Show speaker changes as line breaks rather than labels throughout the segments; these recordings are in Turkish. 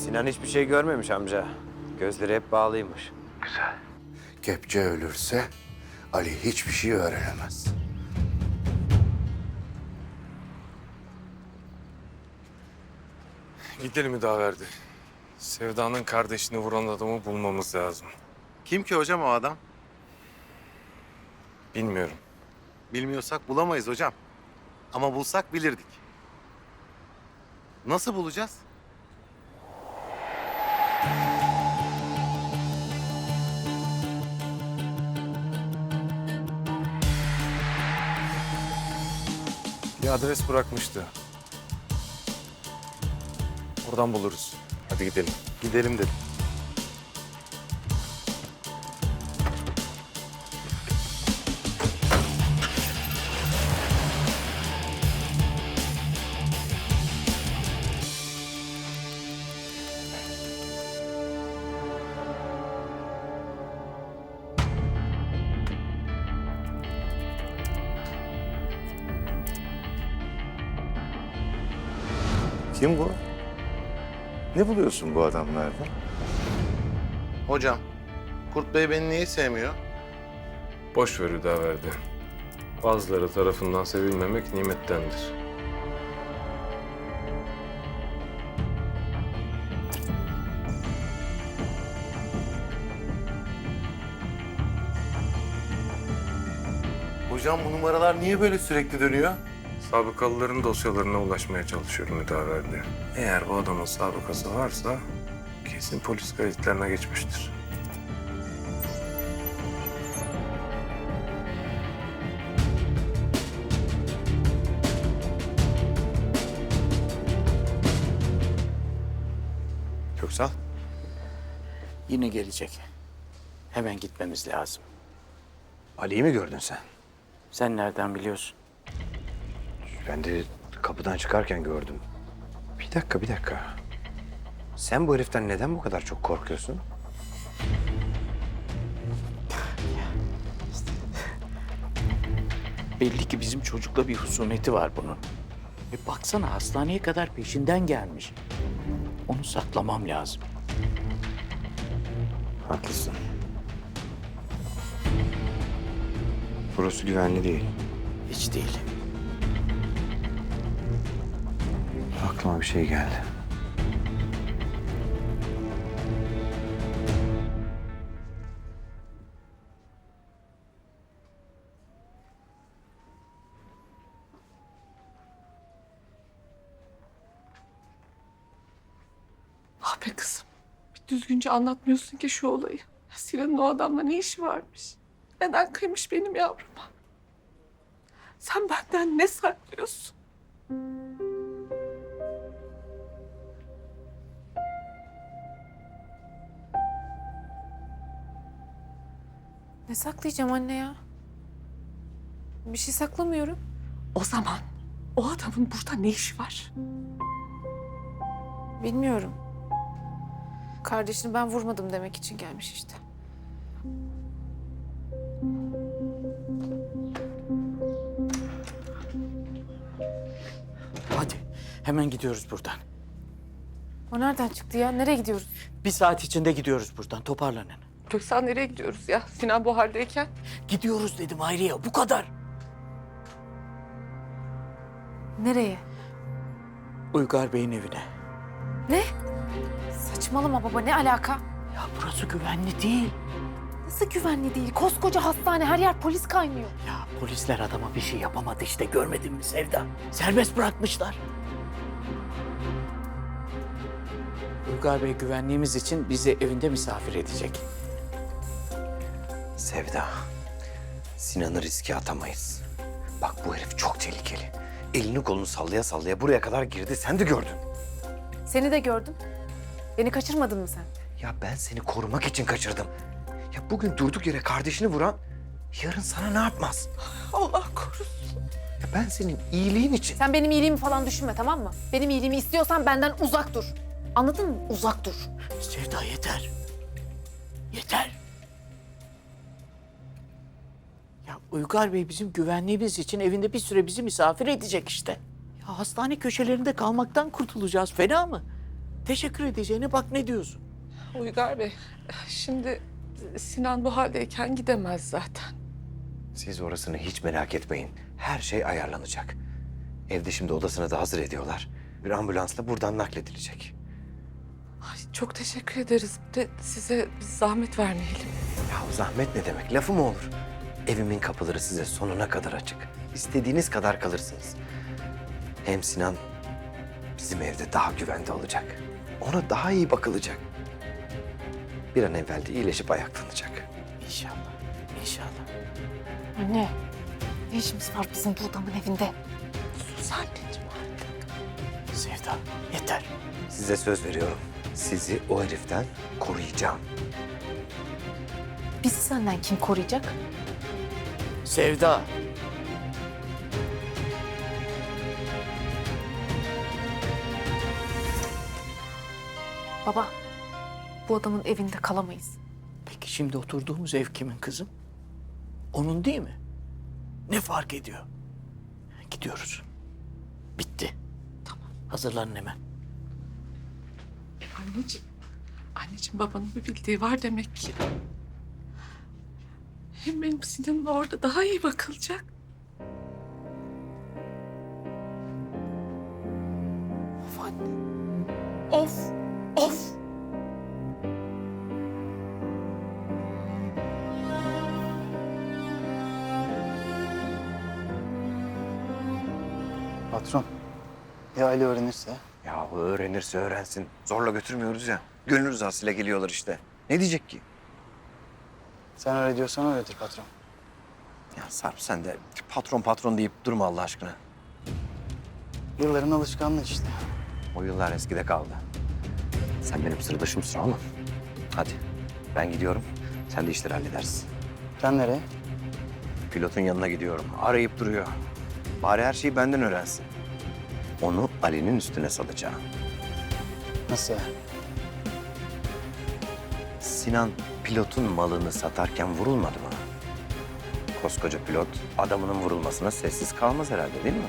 Sinan hiçbir şey görmemiş amca. Gözleri hep bağlıymış.
Güzel. Kepçe ölürse Ali hiçbir şey öğrenemez.
Gidelim müdaverdi. Sevda'nın kardeşini vuran adamı bulmamız lazım.
Kim ki hocam o adam?
Bilmiyorum.
Bilmiyorsak bulamayız hocam. Ama bulsak bilirdik. Nasıl bulacağız?
Bir adres bırakmıştı. Oradan buluruz. Hadi gidelim.
Gidelim dedim.
Kim bu? Ne buluyorsun bu adamlarda?
Hocam, Kurt Bey beni niye sevmiyor?
Boş ver müdaverdi. Bazıları tarafından sevilmemek nimettendir.
Hocam bu numaralar niye böyle sürekli dönüyor?
Sabıkalıların dosyalarına ulaşmaya çalışıyorum müdaverdi. Eğer bu adamın sabıkası varsa kesin polis kayıtlarına geçmiştir.
Köksal.
Yine gelecek. Hemen gitmemiz lazım.
Ali'yi mi gördün sen?
Sen nereden biliyorsun?
Ben de kapıdan çıkarken gördüm. Bir dakika. Sen bu heriften neden bu kadar çok korkuyorsun?
Belli ki bizim çocukla bir husumeti var bunun. Baksana hastaneye kadar peşinden gelmiş. Onu saklamam lazım.
Haklısın. Burası güvenli değil.
Hiç değil.
Aklıma bir şey geldi.
Ah be kızım. Bir düzgünce anlatmıyorsun ki şu olayı. Sinan'ın o adamla ne işi varmış? Neden kıymış benim yavruma? Sen benden ne saklıyorsun?
Ne saklayacağım anne ya? Bir şey saklamıyorum.
O zaman o adamın burada ne işi var?
Bilmiyorum. Kardeşini ben vurmadım demek için gelmiş işte.
Hadi hemen gidiyoruz buradan.
O nereden çıktı ya? Nereye gidiyoruz?
Bir saat içinde gidiyoruz buradan. Toparlanın.
Köksal nereye gidiyoruz ya? Sinan bu haldeyken.
Gidiyoruz dedim Hayriye. Bu kadar.
Nereye?
Uygar Bey'in evine.
Ne? Saçmalama baba, ne alaka?
Ya burası güvenli değil.
Nasıl güvenli değil? Koskoca hastane, her yer polis kaynıyor.
Ya polisler adama bir şey yapamadı işte. Görmedin mi Sevda? Serbest bırakmışlar. Uygar Bey güvenliğimiz için bizi evinde misafir edecek.
Sevda, Sinan'ı riske atamayız. Bak bu herif çok tehlikeli. Elini kolunu sallaya sallaya buraya kadar girdi. Sen de gördün.
Seni de gördüm. Beni kaçırmadın mı sen?
Ya ben seni korumak için kaçırdım. Ya bugün durduk yere kardeşini vuran yarın sana ne yapmaz?
Allah korusun.
Ya ben senin iyiliğin için.
Sen benim iyiliğimi falan düşünme, tamam mı? Benim iyiliğimi istiyorsan benden uzak dur. Anladın mı? Uzak dur.
Sevda yeter. Yeter. Ya Uygar Bey bizim güvenliğimiz için evinde bir süre bizi misafir edecek işte. Ya hastane köşelerinde kalmaktan kurtulacağız. Fena mı? Teşekkür edeceğine bak ne diyorsun?
Uygar Bey, şimdi Sinan bu haldeyken gidemez zaten.
Siz orasını hiç merak etmeyin. Her şey ayarlanacak. Evde şimdi odasını da hazır ediyorlar. Bir ambulansla buradan nakledilecek.
Ay, çok teşekkür ederiz. Bir de size bir zahmet vermeyelim.
Ya zahmet ne demek? Lafı mı olur? Evimin kapıları size sonuna kadar açık. İstediğiniz kadar kalırsınız. Hem Sinan bizim evde daha güvende olacak. Ona daha iyi bakılacak. Bir an evvel de iyileşip ayaklanacak.
İnşallah, inşallah.
Anne, ne işimiz var bizim bu adamın evinde?
Sus anneciğim artık.
Sevda, yeter.
Size söz veriyorum. Sizi o heriften koruyacağım.
Bizi senden kim koruyacak?
Sevda.
Baba, bu adamın evinde kalamayız.
Peki şimdi oturduğumuz ev kimin kızım? Onun değil mi? Ne fark ediyor? Gidiyoruz. Bitti. Tamam. Hazırlanın hemen.
Anneciğim babanın bir bildiği var demek ki. Hem benim Sinan'la orada daha iyi bakılacak. Of anne. Of, of.
Patron, ya Ali öğrenirse?
Ya o öğrenirse öğrensin. Zorla götürmüyoruz ya. Gönül rızasıyla geliyorlar işte. Ne diyecek ki?
Sen öyle diyorsan öyledir patron.
Ya Sarp sen de patron patron deyip durma Allah aşkına.
Yılların alışkanlığı işte.
O yıllar eskide kaldı. Sen benim sırdaşımsın oğlum. Hadi ben gidiyorum. Sen de işleri halledersin.
Sen nereye?
Pilotun yanına gidiyorum. Arayıp duruyor. Bari her şeyi benden öğrensin. Onu Ali'nin üstüne salacağım.
Nasıl yani?
Sinan pilotun malını satarken vurulmadı mı? Koskoca pilot adamının vurulmasına sessiz kalmaz herhalde değil mi?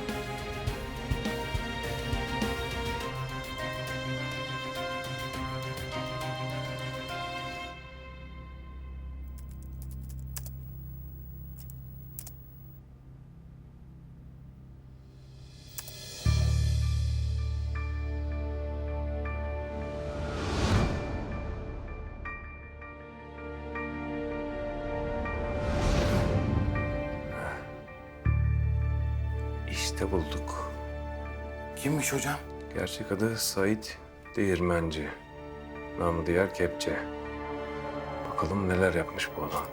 İşte bulduk.
Kimmiş hocam?
Gerçek adı Sait Değirmenci. Namı diğer Kepçe. Bakalım neler yapmış bu adam.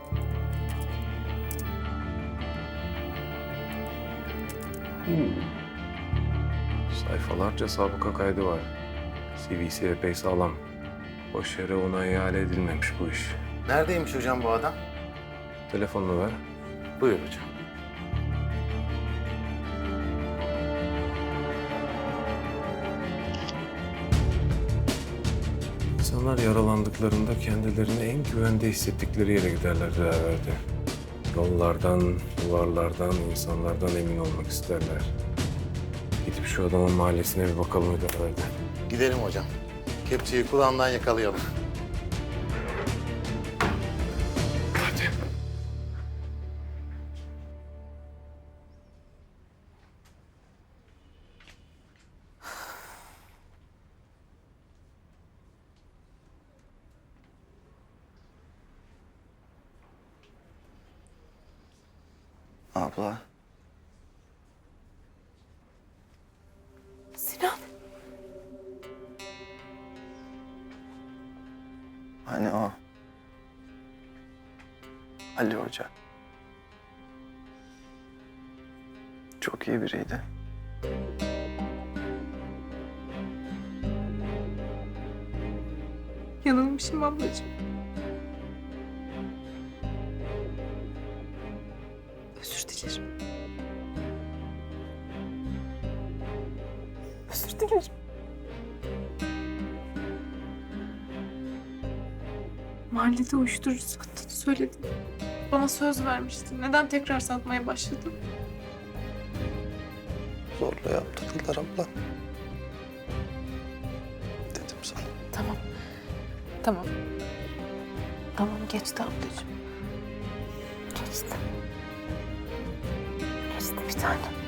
Sayfalarca sabıka kaydı var. CV'si epey sağlam. Boş yere ona ihale edilmemiş bu iş.
Neredeymiş hocam bu adam?
Telefonunu ver.
Buyur hocam.
İnsanlar yaralandıklarında kendilerini en güvende hissettikleri yere giderler herhalde. Yollardan, duvarlardan, insanlardan emin olmak isterler. Gidip şu adamın mahallesine bir bakalım herhalde.
Gidelim hocam. Kepçeyi kulağından yakalayalım.
Hadi.
Abla.
Sinan.
Hani o. Ali Hoca. Çok iyi biriydi.
Yanılmışım ablacığım. Özür dilerim. Özür dilerim.
Mahallede uyuşturucu sattığını söyledin. Bana söz vermiştin. Neden tekrar satmaya başladın?
Zorla yaptırdılar abla.
Tamam. Tamam geçti ablacığım. Geçti. Geçti bir tanem.